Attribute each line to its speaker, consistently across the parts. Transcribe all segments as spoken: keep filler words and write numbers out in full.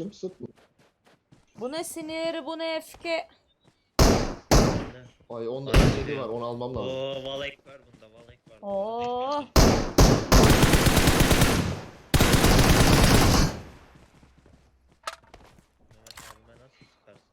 Speaker 1: kardeşim, sık mı?
Speaker 2: Bu ne sinir, bu ne öfke.
Speaker 1: Ay onda
Speaker 3: Ay,
Speaker 1: yedi var, onu almam lazım.
Speaker 3: Oo valek var bunda, valek var.
Speaker 2: Oo.
Speaker 3: Mehmet abime nasıl sıkarsın?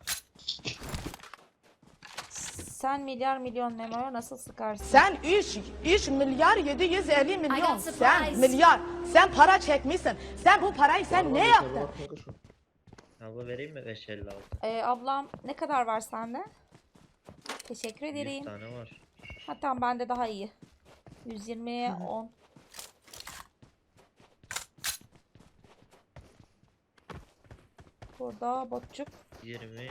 Speaker 2: Sen milyar milyon Memo'ya nasıl sıkarsın?
Speaker 4: Sen üç, üç milyar yedi yüz elli
Speaker 5: I
Speaker 4: milyon.
Speaker 5: got
Speaker 4: Sen
Speaker 5: supplies.
Speaker 4: milyar. Sen para çekmişsin. Sen bu parayı sen
Speaker 1: Var,
Speaker 4: ne
Speaker 1: var,
Speaker 4: yaptın?
Speaker 1: var, kanka şu.
Speaker 3: Abla vereyim mi beş elli altı?
Speaker 2: Ee, ablam ne kadar var sende? Teşekkür
Speaker 3: yüz
Speaker 2: ederim.
Speaker 3: tane var.
Speaker 2: Ha tamam, bende daha iyi. yüz yirmiye on. Burada botçuk.
Speaker 3: yirmi.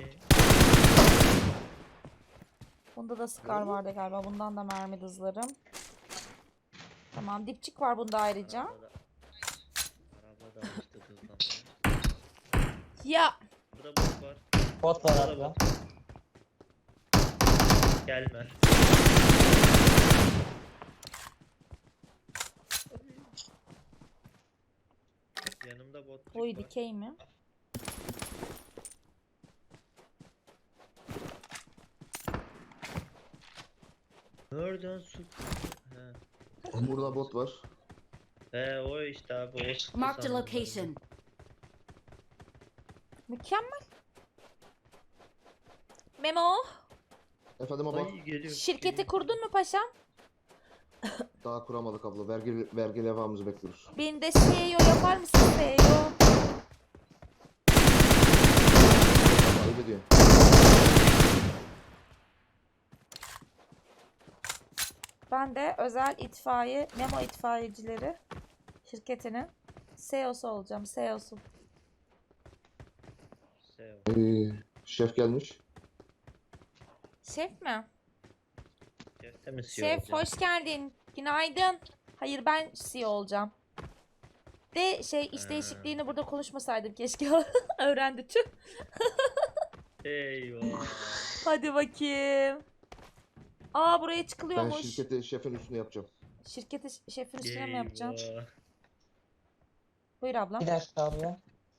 Speaker 2: Bunda da Scar vardı galiba. Bundan da mermi hızlarım. Tamam, dipçik var bunda ayrıca.
Speaker 3: Arabada, arabada alıştı hızlanmaya.
Speaker 2: Ya
Speaker 3: Burada bot var.
Speaker 6: Bot var
Speaker 3: Burada
Speaker 6: abi.
Speaker 3: da bot. Gelme. Yanımda bot
Speaker 2: oy
Speaker 3: var.
Speaker 2: dikey mi?
Speaker 3: Nereden su? He.
Speaker 1: Burada bot var.
Speaker 3: He o işte abi o sıktı
Speaker 5: Marked a
Speaker 3: sandım ben.
Speaker 5: location.
Speaker 2: Mükemmel. Memo,
Speaker 1: Efendim abla,
Speaker 3: Ay geliyor.
Speaker 2: şirketi
Speaker 3: geliyor.
Speaker 2: kurdun mu paşam?
Speaker 1: daha kuramadık abla. Vergi, vergi levhamızı bekliyoruz.
Speaker 2: Beni de C E O yapar mısın C E O?
Speaker 1: Ayıp ediyorsun.
Speaker 2: Ben de özel itfaiye, Memo itfaiyecileri şirketinin C E O'su olacağım. C E O'su.
Speaker 3: Sev.
Speaker 1: Ee, şef gelmiş.
Speaker 2: Şef mi?
Speaker 3: Şefte mi C E O
Speaker 2: Şef
Speaker 3: olacağım?
Speaker 2: hoş geldin. Günaydın. Hayır, ben C E O olacağım. De şey iş
Speaker 3: Ha.
Speaker 2: değişikliğini burada konuşmasaydım keşke. Öğrendi tüh.
Speaker 3: Eyvah.
Speaker 2: Hadi bakayım. Aa, buraya
Speaker 1: Ben
Speaker 2: çıkılıyormuş.
Speaker 1: şirketi şefin üstüne yapacağım.
Speaker 2: Şirketi ş- şefin üstüne mi yapacaksın?
Speaker 3: Eyvah.
Speaker 2: Buyur ablam.
Speaker 6: Bir dakika abi.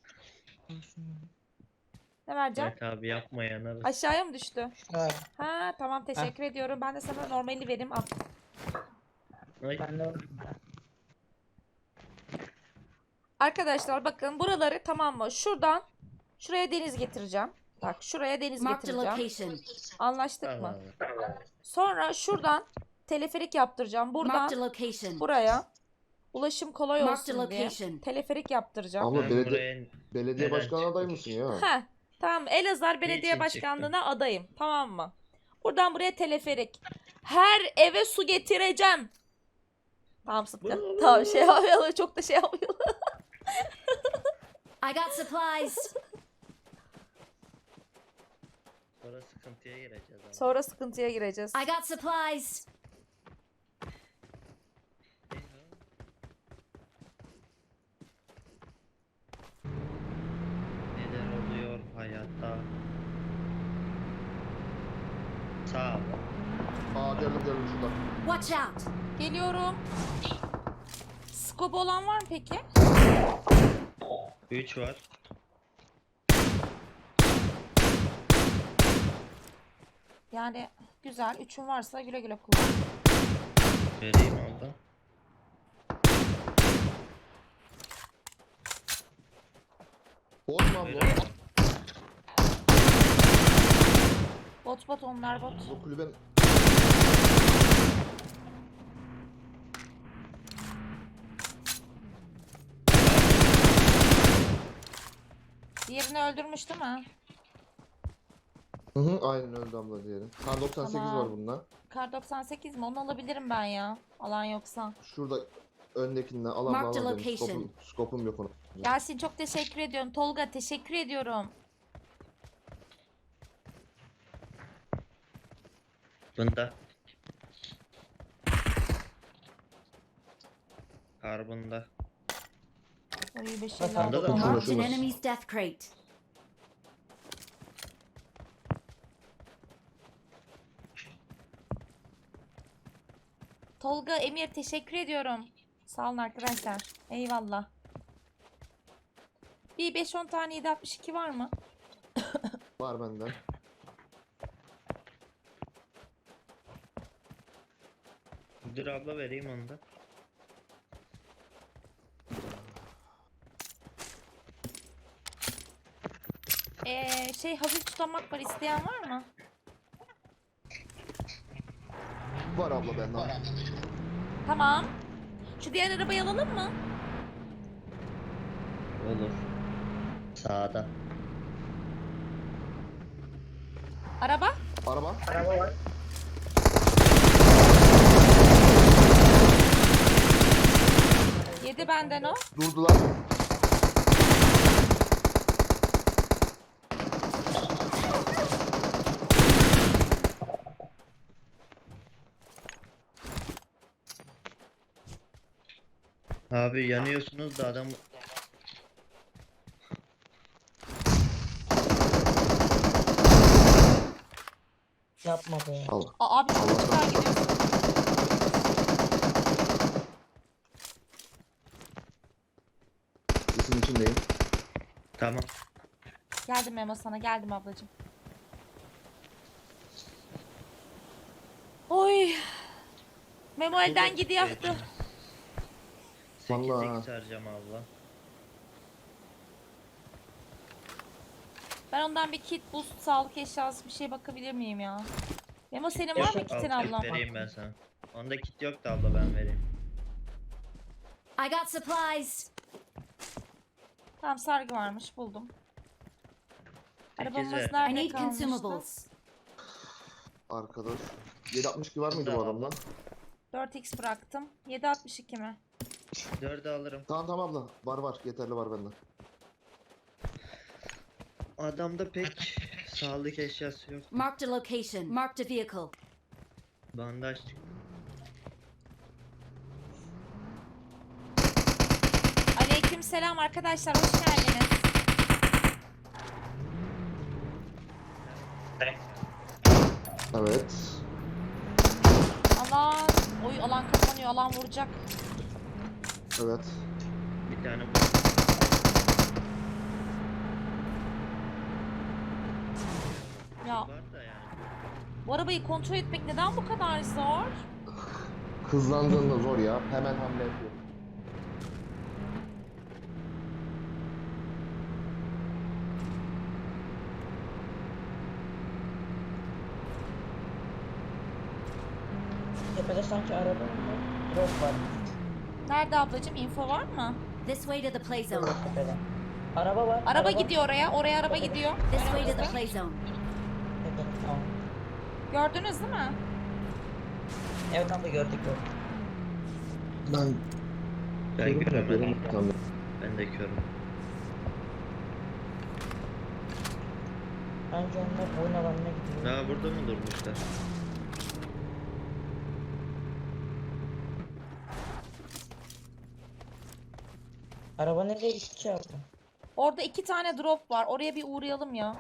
Speaker 2: Ne vereceğim?
Speaker 3: Evet abi yapma yanarız.
Speaker 2: Aşağıya mı düştü?
Speaker 6: Evet.
Speaker 2: Ha tamam, teşekkür ediyorum. Ben de sana normali vereyim. Al.
Speaker 3: Ay.
Speaker 6: Ben de
Speaker 2: Arkadaşlar bakın buraları, tamam mı? Şuradan şuraya deniz getireceğim. Bak şuraya deniz
Speaker 5: Marked a
Speaker 2: getireceğim.
Speaker 5: location.
Speaker 2: Anlaştık mı?
Speaker 3: Tamam.
Speaker 2: Sonra şuradan teleferik yaptıracağım.
Speaker 5: Marked a
Speaker 2: Buradan
Speaker 5: location.
Speaker 2: buraya ulaşım kolay
Speaker 5: Marked
Speaker 2: olsun diye
Speaker 5: location.
Speaker 2: teleferik yaptıracağım.
Speaker 1: Abla
Speaker 3: Ben
Speaker 1: belediye,
Speaker 3: buraya
Speaker 1: belediye
Speaker 3: neden
Speaker 1: başkanı aday
Speaker 3: çıktık?
Speaker 1: mısın ya?
Speaker 2: Heh, tamam, Elazığ Belediye
Speaker 3: Niçin
Speaker 2: Başkanlığı'na adayım. Tamam mı? Buradan buraya teleferik. Her eve su getireceğim. Tamam Sıtkı. Tamam, şey yapmayalım. Çok da şey yapmayalım.
Speaker 5: I got supplies.
Speaker 3: Sonra sıkıntıya gireceğiz abi.
Speaker 2: Sonra sıkıntıya gireceğiz.
Speaker 5: I got supplies.
Speaker 3: Neler oluyor hayatta? Sağ ol.
Speaker 1: Aa geldim geldim şuradan.
Speaker 5: Watch out.
Speaker 2: Geliyorum. Scope olan var mı peki?
Speaker 3: üç var.
Speaker 2: Yani güzel. Üçün varsa güle güle kullan.
Speaker 3: Vereyim abla.
Speaker 1: Bot mu abla?
Speaker 3: Vereyim.
Speaker 2: Bot bot, onlar bot.
Speaker 1: Bu kulüben...
Speaker 2: Diğerini öldürmüş değil mi?
Speaker 1: Hı hı, aynen öldü abla diyelim. Kar doksan sekiz
Speaker 2: Tamam.
Speaker 1: var bunda.
Speaker 2: Kar doksan sekiz mi? Onu alabilirim ben ya. Alan yoksa.
Speaker 1: Şurada öndekinden alan
Speaker 5: Marked
Speaker 1: bağlan
Speaker 5: a
Speaker 1: demiş.
Speaker 5: location.
Speaker 1: Skopum, skopum yok ona.
Speaker 2: Yasin çok teşekkür ediyorum. Tolga teşekkür ediyorum.
Speaker 3: Bunda. Karbonda.
Speaker 2: Oy bir şeyler
Speaker 3: Bunda da
Speaker 2: oldu.
Speaker 1: mı?
Speaker 5: Marked an enemy's death crate.
Speaker 2: Tolga, Emir teşekkür ediyorum. Sağ olun arkadaşlar. Eyvallah. Bir bir beş on tane yedi altmış iki var mı?
Speaker 1: Var bende.
Speaker 3: Dur abla vereyim onu da.
Speaker 2: Ee, şey hafif tutamak var, isteyen var mı?
Speaker 1: Var abla bende.
Speaker 2: Tamam. Şu diğer arabayı alalım mı?
Speaker 3: Olur. Sağda.
Speaker 2: Araba?
Speaker 1: Araba.
Speaker 2: Yedi benden o.
Speaker 1: Durdular.
Speaker 3: Abi yanıyorsunuz da adam
Speaker 6: Yapma be.
Speaker 1: Al.
Speaker 2: Aa, abi çok çıkar gidiyorsun.
Speaker 1: İsim içindeyim.
Speaker 3: tamam.
Speaker 2: Geldim Memo sana, geldim ablacığım. Oy. Memo elden gidiyor.
Speaker 3: sekiz
Speaker 1: Vallahi.
Speaker 3: x harcam abla.
Speaker 2: Ben ondan bir kit, boost, sağlık eşyası bir şey bakabilir miyim ya? Memo senin var mı
Speaker 3: Yok,
Speaker 2: kitin
Speaker 3: al,
Speaker 2: ablam?
Speaker 3: vereyim ben sana. Onda kit yok da abla ben vereyim.
Speaker 5: I got supplies.
Speaker 2: Tamam, sargı varmış, buldum. Arabamız
Speaker 3: ver.
Speaker 5: I
Speaker 2: nerede
Speaker 5: need
Speaker 2: kalmıştı?
Speaker 5: consumables.
Speaker 1: Arkadaş. yedi altmış iki var mıydı bu
Speaker 3: Tamam.
Speaker 1: adamda?
Speaker 2: dört x bıraktım. yedi altmış iki mi?
Speaker 3: dördü alırım.
Speaker 1: Tamam tamam abla. Var var. Yeterli var bende.
Speaker 3: Adamda pek sağlık eşyası yok.
Speaker 5: Marked a location. Marked a vehicle.
Speaker 3: Bandaj çıktı.
Speaker 2: Aleyküm selam arkadaşlar, hoş geldiniz.
Speaker 1: Evet.
Speaker 2: Alan, oy alan kapanıyor, alan vuracak.
Speaker 1: Evet.
Speaker 3: Bir tane bu.
Speaker 2: Ya
Speaker 3: Var da yani.
Speaker 2: bu arabayı kontrol etmek neden bu kadar zor?
Speaker 1: Hızlandığında zor ya. Hemen hamle yapıyor.
Speaker 6: Tepede sanki araba var. Drop var.
Speaker 2: Nerede ablacığım, info var mı?
Speaker 5: This way to the play zone.
Speaker 6: Tepede. Araba var.
Speaker 2: Araba gidiyor oraya, oraya araba gidiyor.
Speaker 5: This way to the
Speaker 2: Önümüzde.
Speaker 5: play zone.
Speaker 6: Tepede. Tamam.
Speaker 2: Gördünüz değil mi?
Speaker 6: Evet abla gördük gördük.
Speaker 1: Ben
Speaker 3: Ben
Speaker 1: Körüm
Speaker 3: göremedim.
Speaker 1: yapıyorum. Tamam.
Speaker 3: Ben de körüm.
Speaker 6: Bence onlar oyun alanına gidiyor.
Speaker 3: Ha burada mı durmuşlar?
Speaker 6: Araba nereye gitti ki abla?
Speaker 2: Orada iki tane drop var. Oraya bir uğrayalım ya.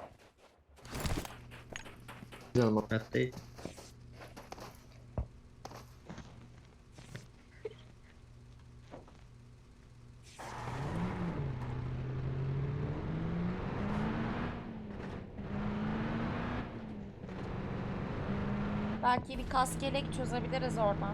Speaker 1: Canım
Speaker 3: Hatta
Speaker 2: Belki bir kaskelek çözebiliriz oradan.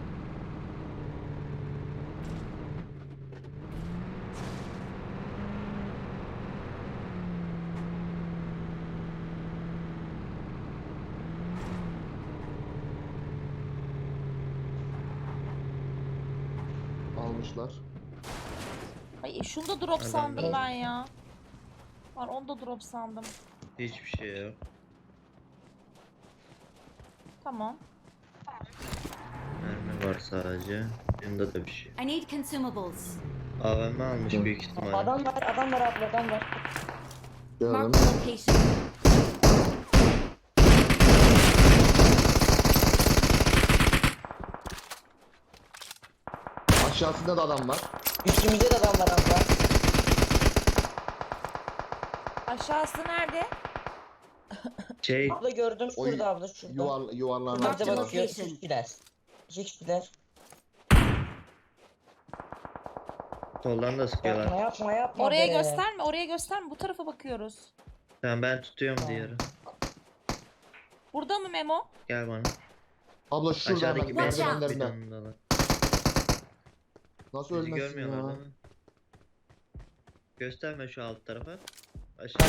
Speaker 1: almışlar.
Speaker 2: Ay şunda drop
Speaker 3: Adam
Speaker 2: sandım
Speaker 3: yok.
Speaker 2: ben ya. Var, onda drop sandım.
Speaker 3: hiçbir şey yok.
Speaker 2: Tamam.
Speaker 3: Mermi var sadece. Bunda da bir şey.
Speaker 5: I need consumables.
Speaker 3: A V M almış
Speaker 1: Hı.
Speaker 3: büyük ihtimalle.
Speaker 6: Adam var, adam var abla, adam var.
Speaker 1: Gördüm.
Speaker 5: Marked a location.
Speaker 1: Aşağısında da adam var.
Speaker 6: Üstümüzde de adam var abla.
Speaker 2: Aşağısı nerede?
Speaker 3: Şey
Speaker 6: Abla gördüm
Speaker 1: O
Speaker 6: şurada abla şurada.
Speaker 1: Yuvar, yuvarlarına
Speaker 6: Bize
Speaker 5: Marked
Speaker 6: bakıyor.
Speaker 5: location.
Speaker 6: İki kişiler. İki kişiler.
Speaker 3: Soldan da
Speaker 6: Yapma
Speaker 3: sıkıyorlar.
Speaker 6: yapma yapma
Speaker 2: Oraya
Speaker 6: be.
Speaker 2: gösterme, oraya gösterme. Bu tarafa bakıyoruz.
Speaker 3: Tamam ben tutuyorum diğeri.
Speaker 2: Burada mı Memo?
Speaker 3: Gel bana.
Speaker 1: Abla şurada hemen
Speaker 3: Aşağıdaki
Speaker 5: Watch out.
Speaker 3: benzin
Speaker 1: merdivenlerinden.
Speaker 3: bidonundalar.
Speaker 1: Nasıl
Speaker 3: Bizi
Speaker 1: ölmezsin
Speaker 3: görmüyorlar
Speaker 1: ya?
Speaker 3: değil mi? Gösterme şu alt tarafa. Aşağı.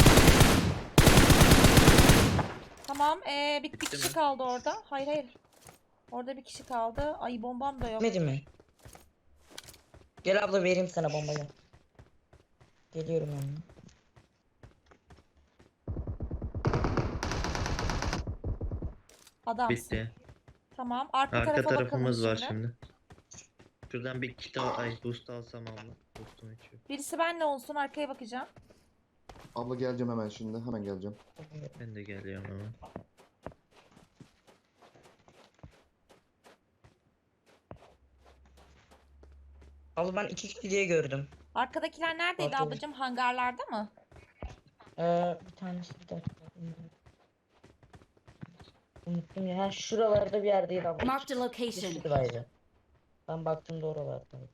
Speaker 2: Tamam, ee, bir, bir
Speaker 3: Bitti
Speaker 2: kişi
Speaker 3: mi?
Speaker 2: kaldı orada. Hayır hayır. Orada bir kişi kaldı. Ay bombam da yok.
Speaker 6: Bitmedi mi? Gel abla vereyim sana bombayı. Geliyorum yanına.
Speaker 2: Adamsın.
Speaker 3: Bitti.
Speaker 2: Tamam, arka,
Speaker 3: Arka
Speaker 2: tarafa
Speaker 3: tarafımız
Speaker 2: bakalım
Speaker 3: var
Speaker 2: şimdi.
Speaker 3: şimdi. Şuradan bir kit al, ay boost alsam abla. Boostum içiyor.
Speaker 2: Birisi benle olsun, arkaya bakacağım.
Speaker 1: Abla geleceğim hemen şimdi. Hemen geleceğim.
Speaker 3: Ben de geliyorum hemen.
Speaker 6: Abla ben iki kişi diye gördüm.
Speaker 2: Arkadakiler neredeydi
Speaker 6: Bakıyorum.
Speaker 2: ablacığım? Hangarlarda mı?
Speaker 6: Ee, bir tanesi bir dakika. Unuttum ya. Ha, şuralarda bir yerdeydi abla.
Speaker 5: Marked a
Speaker 6: Bir
Speaker 5: location.
Speaker 6: şuradaydı. Ben baktığımda oralardaydı.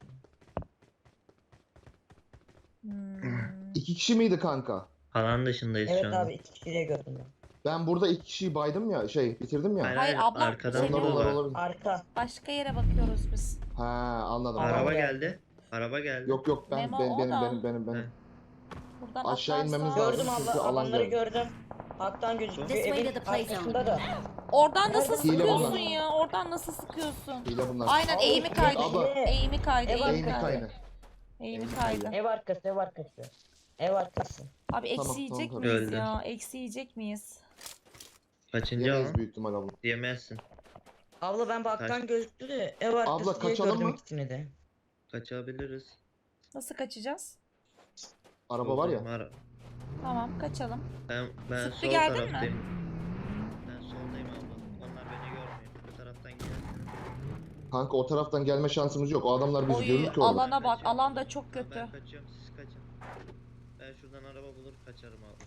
Speaker 2: Hmm.
Speaker 1: İki kişi miydi kanka?
Speaker 3: Alan dışındayız
Speaker 6: Evet
Speaker 3: şu anda.
Speaker 6: abi iki kişi diye gördüm ben.
Speaker 1: Ben burada iki kişiyi baydım ya. Şey bitirdim ya.
Speaker 3: Hayır,
Speaker 2: Hayır,
Speaker 3: hayır,
Speaker 2: abla,
Speaker 3: arkadan
Speaker 2: şey
Speaker 1: Onlar
Speaker 2: mi?
Speaker 1: onlar
Speaker 3: var.
Speaker 1: olabilir.
Speaker 6: Arka.
Speaker 2: Başka yere bakıyoruz biz.
Speaker 1: Ha anladım.
Speaker 6: Araba
Speaker 3: Araba
Speaker 6: geldi.
Speaker 3: geldi. Araba geldi.
Speaker 1: Yok yok ben
Speaker 2: Memo,
Speaker 1: ben
Speaker 2: o
Speaker 1: benim
Speaker 2: da.
Speaker 1: benim benim benim.
Speaker 3: He.
Speaker 2: Buradan
Speaker 1: Aşağı
Speaker 2: atlarsa-
Speaker 1: inmemiz lazım.
Speaker 6: Gördüm
Speaker 1: çünkü
Speaker 6: abla
Speaker 1: alan
Speaker 6: adamları
Speaker 1: geldi.
Speaker 6: gördüm. Hattan gözüküyor.
Speaker 5: This way to
Speaker 6: Evin
Speaker 5: the play zone.
Speaker 6: arkasında da.
Speaker 2: Oradan nasıl
Speaker 6: Nerede?
Speaker 1: Hile
Speaker 2: sıkıyorsun
Speaker 1: bunlar.
Speaker 2: ya? Oradan nasıl sıkıyorsun?
Speaker 1: Hile bunlar.
Speaker 2: Aynen
Speaker 6: Abla,
Speaker 2: eğimi kaydı.
Speaker 1: abla.
Speaker 2: Eğimi kaydı.
Speaker 6: Ev
Speaker 2: Eğimi
Speaker 1: Eğimi
Speaker 2: kaydı.
Speaker 1: kaydı.
Speaker 2: Eğimi kaydı.
Speaker 6: Ev arkası ev arkası. Ev arkası.
Speaker 2: Abi eksi
Speaker 1: Tamam,
Speaker 2: yiyecek
Speaker 1: tamam,
Speaker 2: miyiz
Speaker 3: Öldü.
Speaker 2: ya? Eksi yiyecek miyiz?
Speaker 3: Kaçıncı
Speaker 1: Yemeyiz
Speaker 3: alan?
Speaker 1: büyük ihtimal abla.
Speaker 3: Yemezsin.
Speaker 6: Abla ben baktan
Speaker 3: Kaç-
Speaker 6: gözüktü de ev arkası
Speaker 1: Abla,
Speaker 6: diye
Speaker 1: kaçalım
Speaker 6: gördüm
Speaker 1: mı?
Speaker 6: ikisini de.
Speaker 3: Kaçabiliriz.
Speaker 2: Nasıl kaçacağız?
Speaker 1: Araba var ya.
Speaker 3: Ara-
Speaker 2: Tamam kaçalım.
Speaker 3: Ben, ben
Speaker 2: Sıktı,
Speaker 3: sol
Speaker 2: geldin mi?
Speaker 3: taraftayım. Ben soldayım abla. Onlar beni görmüyor. Bu taraftan gelsin.
Speaker 1: Kanka o taraftan gelme şansımız yok. O adamlar bizi
Speaker 2: Oy,
Speaker 1: görür ki orada.
Speaker 2: alana bak. Alan da çok kötü.
Speaker 3: Ben kaçıyorum siz kaçın. Ben şuradan araba bulur kaçarım abla.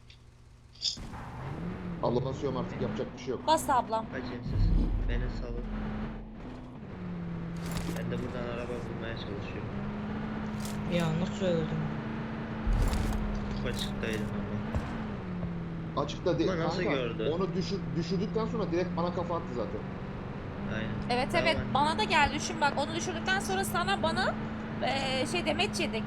Speaker 1: Abla basıyorum artık yapacak bir şey yok.
Speaker 2: Bas ablam.
Speaker 3: Kaçın siz. Beni salın. Ben de buradan araba bulmaya çalışıyorum.
Speaker 6: Ya nasıl öldüm?
Speaker 3: Çok açıktaydım ama.
Speaker 1: Açıkta değil.
Speaker 3: Ama nasıl
Speaker 1: Kanka,
Speaker 3: gördü?
Speaker 1: onu düşür, düşürdükten sonra direkt bana kafa attı zaten.
Speaker 3: Aynen.
Speaker 2: Evet
Speaker 3: Tamam.
Speaker 2: evet bana da geldi. Düşün bak onu düşürdükten sonra sana bana eee, şey demeç yedik.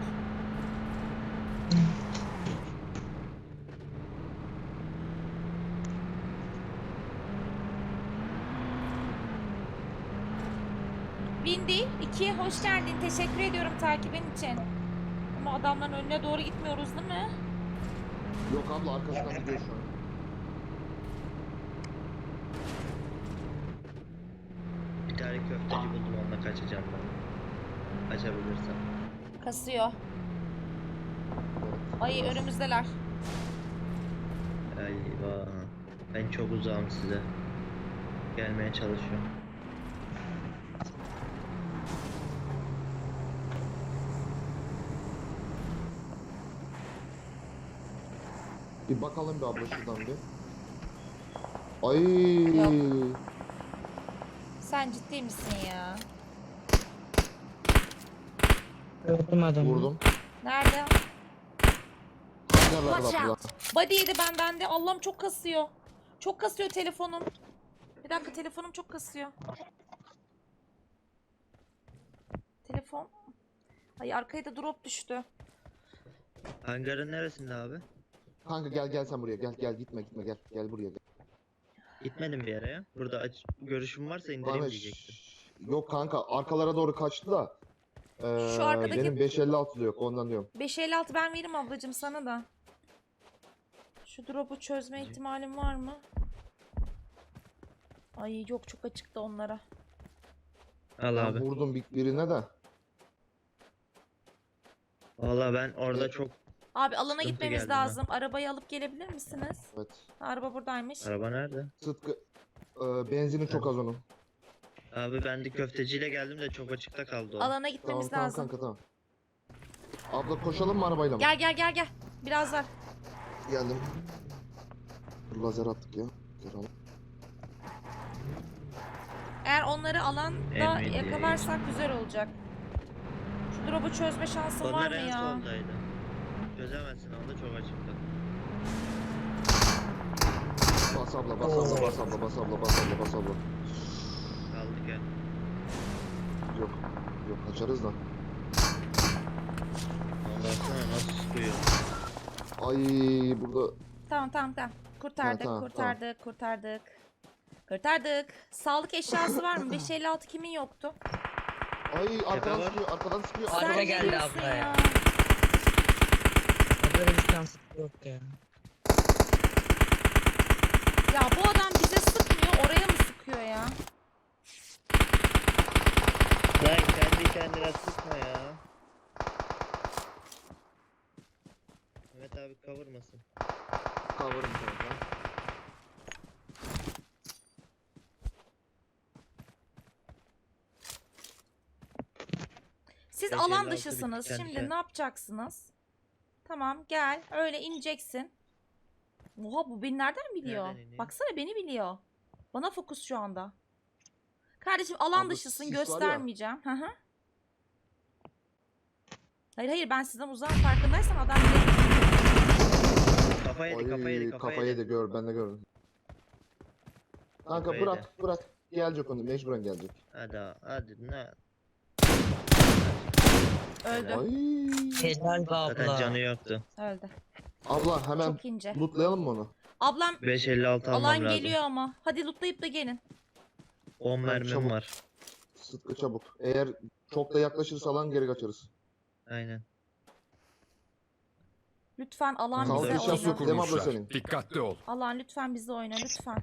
Speaker 2: Bindi. ikiye hoş geldin. Teşekkür ediyorum takibin için. Ama adamların önüne doğru gitmiyoruz değil mi?
Speaker 1: Yok abla arkasından gidiyor şu an.
Speaker 3: Bir tane köfteci buldum onunla kaçacağım ben. Kaçabilirsem.
Speaker 2: Kasıyor. Ay önümüzdeler.
Speaker 3: Eyvah. Ben çok uzağım size. Gelmeye çalışıyorum.
Speaker 1: Bir bakalım bir abla şuradan bir. Ay.
Speaker 2: Yok. Sen ciddi misin ya?
Speaker 6: Gördüm adamı.
Speaker 1: Vurdum.
Speaker 2: Nerede?
Speaker 1: Hangarlar
Speaker 5: Watch
Speaker 1: abla.
Speaker 5: out.
Speaker 2: Body yedi benden de. Allah'ım çok kasıyor. Çok kasıyor telefonum. Bir dakika telefonum çok kasıyor. Telefon. Ay arkaya da drop düştü.
Speaker 3: Hangarın neresinde abi?
Speaker 1: Kanka gel gel sen buraya gel gel gitme gitme gel gel buraya gel.
Speaker 3: Gitmedim bir yere ya. Burada aç görüşüm varsa indireyim
Speaker 1: Ahmet,
Speaker 3: diyecektim.
Speaker 1: şşş. Yok kanka arkalara doğru kaçtı da. Ee,
Speaker 2: Şu arkadaki-
Speaker 1: Benim beş elli altı da yok ondan diyorum.
Speaker 2: beş elli altı ben veririm ablacığım sana da. Şu drop'u çözme ihtimalim var mı? Ay yok çok açıkta onlara.
Speaker 3: Al
Speaker 1: Ben
Speaker 3: abi.
Speaker 1: vurdum bir, birine de.
Speaker 3: Valla ben orada çok
Speaker 2: Abi alana
Speaker 3: Sıkıntı
Speaker 2: gitmemiz
Speaker 3: geldi bana.
Speaker 2: lazım. Arabayı alıp gelebilir misiniz?
Speaker 1: Evet.
Speaker 2: Ha, araba buradaymış.
Speaker 3: araba nerede?
Speaker 1: Sıtkı e, benzini çok az onun.
Speaker 3: Abi ben de köfteciyle geldim de çok açıkta kaldı o.
Speaker 2: Alana
Speaker 1: Tamam
Speaker 2: gitmemiz
Speaker 1: tamam
Speaker 2: lazım.
Speaker 1: kanka tamam. Abla koşalım mı arabayla mı?
Speaker 2: Gel gel gel gel. Biraz var.
Speaker 1: Geldim. Dur, lazer attık ya. Lazer al.
Speaker 2: Eğer onları alanda
Speaker 3: Emin
Speaker 2: yakalarsak güzel olacak. Şu drop'u çözme şansın var
Speaker 3: Onlar
Speaker 2: mı
Speaker 3: en
Speaker 2: ya?
Speaker 3: soldaydı. Çözemezsin onda çok açıkta.
Speaker 1: Bas abla bas abla bas abla bas abla bas abla bas abla.
Speaker 3: Kaldık ya.
Speaker 1: Yok. Yok kaçarız da.
Speaker 3: Baksana nasıl sıkıyor.
Speaker 1: Ay burada
Speaker 2: Tamam tamam tamam. Kurtardık,
Speaker 1: tamam,
Speaker 2: kurtardık, kurtardık. Kurtardık. Sağlık eşyası var mı? beş elli altı kimin yoktu?
Speaker 1: ay arkadan
Speaker 3: var.
Speaker 1: sıkıyor arkadan sıkıyor.
Speaker 6: Araba
Speaker 2: Sen ne
Speaker 6: geldi
Speaker 2: diyorsun
Speaker 6: abla ya. Burada bir şans yok ya.
Speaker 2: Ya bu adam bize sıkmıyor, oraya mı sıkıyor ya?
Speaker 3: Lan kendi kendine sıkma ya. Mehmet abi kavurmasın.
Speaker 1: Cover'ım kanka.
Speaker 2: Siz
Speaker 3: beş
Speaker 2: alan
Speaker 3: elli altı
Speaker 2: dışısınız.
Speaker 3: bitti
Speaker 2: Şimdi
Speaker 3: kendisi.
Speaker 2: ne yapacaksınız? Tamam gel. Öyle ineceksin. Oha bu beni nereden biliyor?
Speaker 3: Nereden iniyor?
Speaker 2: Baksana beni biliyor. Bana fokus şu anda. Kardeşim alan
Speaker 1: Abla,
Speaker 2: dışısın
Speaker 1: sis var ya.
Speaker 2: göstermeyeceğim. Hı hı. Hayır hayır ben sizden uzağım farkındaysan adam bile...
Speaker 3: Kafa yedi kafa yedi
Speaker 1: Ay
Speaker 3: kafa
Speaker 1: kafayı
Speaker 3: yedi.
Speaker 1: da gör ben de gördüm. Kanka
Speaker 3: Kafayı
Speaker 1: bırak bırak. Gelecek onu mecburen gelecek.
Speaker 3: Hadi abi, hadi ne?
Speaker 2: Öldü.
Speaker 1: Ay.
Speaker 6: Helal be
Speaker 3: Zaten canı
Speaker 6: abla.
Speaker 3: yoktu.
Speaker 2: Öldü.
Speaker 1: Abla hemen
Speaker 2: Çok ince.
Speaker 1: lootlayalım mı onu?
Speaker 2: Ablam
Speaker 3: beş elli altı almam
Speaker 2: alan
Speaker 3: lazım.
Speaker 2: geliyor ama. Hadi lootlayıp da gelin.
Speaker 3: on
Speaker 1: Ben
Speaker 3: mermim
Speaker 1: çabuk.
Speaker 3: var.
Speaker 1: Sıtkı çabuk. Eğer çok da yaklaşırsa alan geri kaçarız.
Speaker 3: Aynen.
Speaker 2: Lütfen alan
Speaker 1: Sağlık
Speaker 2: bize
Speaker 1: eşyası yok
Speaker 2: oyna.
Speaker 1: değil mi abla senin?
Speaker 7: Dikkatli ol.
Speaker 2: Alan lütfen bize oyna lütfen.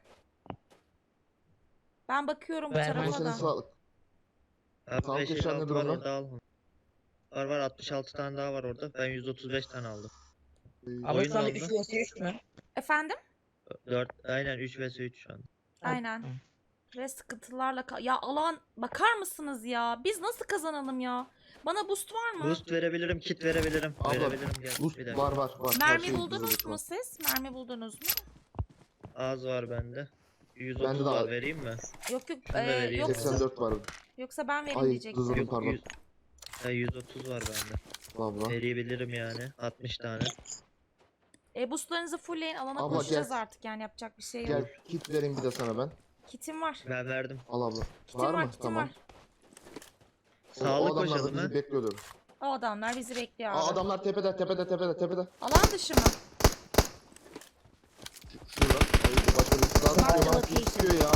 Speaker 2: Ben bakıyorum bu
Speaker 6: Vermem.
Speaker 1: Abla
Speaker 2: tarafa
Speaker 1: senin
Speaker 2: da.
Speaker 1: sağlık.
Speaker 3: Abi
Speaker 1: Sağlık
Speaker 3: beş elli
Speaker 1: eşyan
Speaker 3: altı
Speaker 1: nedir
Speaker 3: var
Speaker 1: ona?
Speaker 3: orada al. Var var altmış altı tane daha var orada. Ben yüz otuz beş tane aldım.
Speaker 6: Abla
Speaker 3: Oyun
Speaker 6: şu anda
Speaker 3: oldu.
Speaker 6: üç vs üç mü?
Speaker 2: Efendim?
Speaker 3: dört aynen üç vs üç şu an.
Speaker 2: Aynen. Ve sıkıntılarla ka- ya alan bakar mısınız ya? Biz nasıl kazanalım ya? Bana boost var mı?
Speaker 3: Boost verebilirim, kit verebilirim.
Speaker 1: Abla,
Speaker 3: verebilirim gel.
Speaker 1: Boost
Speaker 3: Bir dakika.
Speaker 1: var var var. Her
Speaker 2: Mermi
Speaker 1: şey
Speaker 2: buldunuz
Speaker 1: hazırlık
Speaker 2: mu
Speaker 1: var.
Speaker 2: siz? Mermi buldunuz mu?
Speaker 3: Az var bende. yüz
Speaker 1: Bende
Speaker 3: otuz
Speaker 1: de
Speaker 3: var
Speaker 1: var.
Speaker 3: vereyim mi?
Speaker 2: Yok yok.
Speaker 3: Şunu da
Speaker 2: ee,
Speaker 3: vereyim.
Speaker 2: yoksa,
Speaker 1: seksen dört var.
Speaker 2: yoksa ben vereyim
Speaker 1: Ay
Speaker 2: diyecektim.
Speaker 1: hızladım
Speaker 3: Yok,
Speaker 1: pardon.
Speaker 3: yüz- Ha, yüz otuz var bende.
Speaker 1: Abla.
Speaker 3: Verebilirim yani. altmış tane.
Speaker 2: E, boostlarınızı fullleyin. Alana
Speaker 1: Abla,
Speaker 2: koşacağız
Speaker 1: gel.
Speaker 2: artık yani yapacak bir şey yok.
Speaker 1: Gel kit vereyim bir de sana ben.
Speaker 2: Kitim var.
Speaker 3: Ben verdim.
Speaker 1: Al abla.
Speaker 2: Kitim
Speaker 1: Var
Speaker 2: var,
Speaker 1: mı?
Speaker 2: kitim
Speaker 1: Tamam.
Speaker 2: var.
Speaker 1: O-
Speaker 3: Sağlık
Speaker 1: o adamlar da
Speaker 3: koşalım
Speaker 1: bizi
Speaker 3: ha.
Speaker 1: bekliyordur.
Speaker 2: O adamlar bizi bekliyor abi.
Speaker 1: Aa, adamlar tepede tepede tepede tepede.
Speaker 2: Alan dışı mı?
Speaker 1: Şu- Şurada. Ay başka birisi daha
Speaker 5: Mark the
Speaker 1: sıkıyor. Bana
Speaker 5: location.
Speaker 1: sıkıyor ya.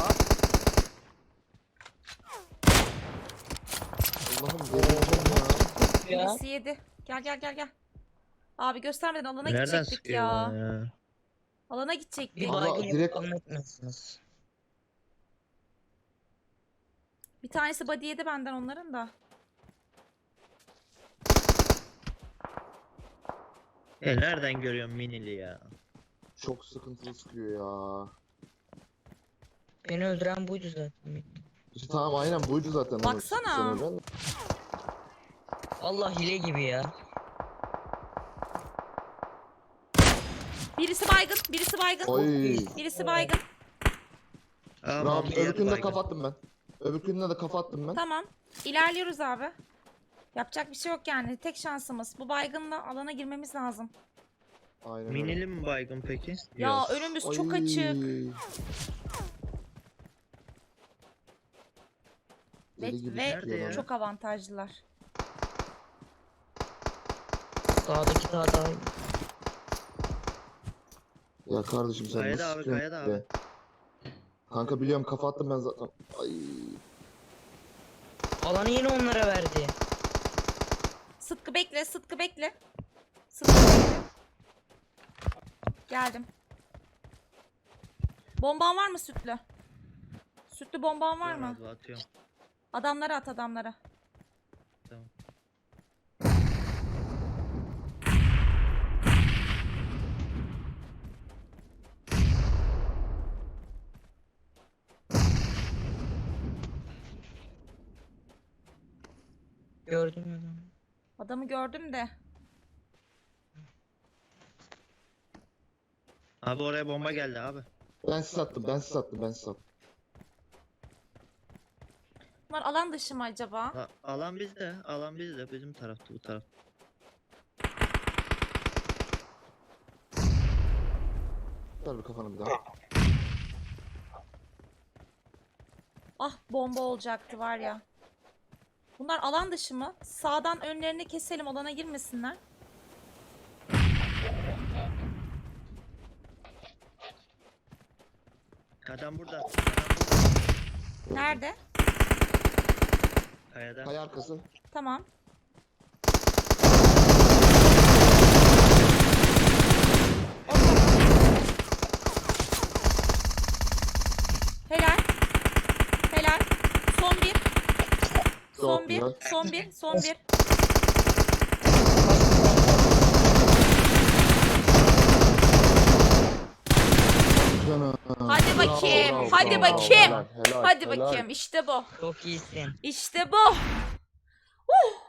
Speaker 1: Allah'ım delireceğim ya.
Speaker 6: Ya.
Speaker 2: Birisi yedi. Gel gel gel gel. Abi göstermeden alana
Speaker 3: Nereden
Speaker 2: gidecektik
Speaker 3: sıkıyor
Speaker 2: ya.
Speaker 3: bana ya?
Speaker 2: Alana gidecektik.
Speaker 6: Bir
Speaker 1: Abla,
Speaker 6: baygın
Speaker 1: direkt-
Speaker 6: direkt... anlatmıyorsunuz.
Speaker 2: Bir tanesi body yedi benden onların da.
Speaker 3: E nereden görüyorum minili ya?
Speaker 1: Çok sıkıntılı sıkıyor ya.
Speaker 6: Beni öldüren buydu zaten.
Speaker 1: İşte tamam aynen buydu zaten. onu
Speaker 2: Baksana.
Speaker 1: söyleyen.
Speaker 6: Allah hile gibi ya.
Speaker 2: Birisi baygın, birisi baygın.
Speaker 1: Oy.
Speaker 2: Birisi baygın.
Speaker 3: Aa,
Speaker 1: Bravo.
Speaker 3: Mahmut yedi
Speaker 1: Öbürkünü de
Speaker 3: baygın.
Speaker 1: kafa attım ben. Öbürkünü de kafa attım ben.
Speaker 2: Tamam. İlerliyoruz abi. Yapacak bir şey yok yani. Tek şansımız. Bu baygınla alana girmemiz lazım.
Speaker 1: Aynen öyle.
Speaker 3: Minili mi baygın peki?
Speaker 2: Ya
Speaker 3: Yok.
Speaker 2: önümüz çok
Speaker 1: Ay.
Speaker 2: açık. Ve,
Speaker 1: Deli gibi
Speaker 2: ve
Speaker 3: Nerede ya?
Speaker 2: çok avantajlılar.
Speaker 6: Sağdaki daha daha iyi.
Speaker 1: Ya kardeşim sen
Speaker 3: Kayada
Speaker 1: nasıl
Speaker 3: abi,
Speaker 1: sıkıyorsun
Speaker 3: kayada
Speaker 1: be? Kanka biliyorum kafa attım ben zaten. Ay.
Speaker 6: Alanı yine onlara verdi.
Speaker 2: Sıtkı bekle, Sıtkı bekle. Sıtkı bekle. Geldim. Bomban var mı Sütlü? Sütlü bomban var mı?
Speaker 3: Biraz atıyorum.
Speaker 2: Adamlara at adamlara.
Speaker 3: Tamam.
Speaker 6: Gördüm adamı.
Speaker 2: Adamı gördüm de.
Speaker 3: Abi oraya bomba geldi abi.
Speaker 1: Ben siz attım ben siz attım ben siz attım.
Speaker 2: Bunlar alan dışı mı acaba?
Speaker 3: Ha, alan bizde. Alan bizde. Bizim tarafta bu taraf.
Speaker 1: Ver bir kafanı bir daha.
Speaker 2: Ah bomba olacaktı var ya. Bunlar alan dışı mı? Sağdan önlerini keselim, alana girmesinler.
Speaker 3: Adam burada. Adam burada.
Speaker 2: Nerede?
Speaker 3: Kayada.
Speaker 1: Kaya arkası.
Speaker 2: Tamam. Helal. Helal. Son bir. Son
Speaker 1: Çok
Speaker 2: bir.
Speaker 1: güzel.
Speaker 2: Son bir. Son bir.
Speaker 1: Canım.
Speaker 2: Hadi
Speaker 1: Bravo,
Speaker 2: bakayım,
Speaker 1: bravo,
Speaker 2: hadi
Speaker 1: bravo.
Speaker 2: bakayım.
Speaker 1: Helal, helal,
Speaker 2: Hadi
Speaker 1: helal.
Speaker 2: bakayım. İşte bu.
Speaker 6: Çok iyisin.
Speaker 2: İşte bu. Uh!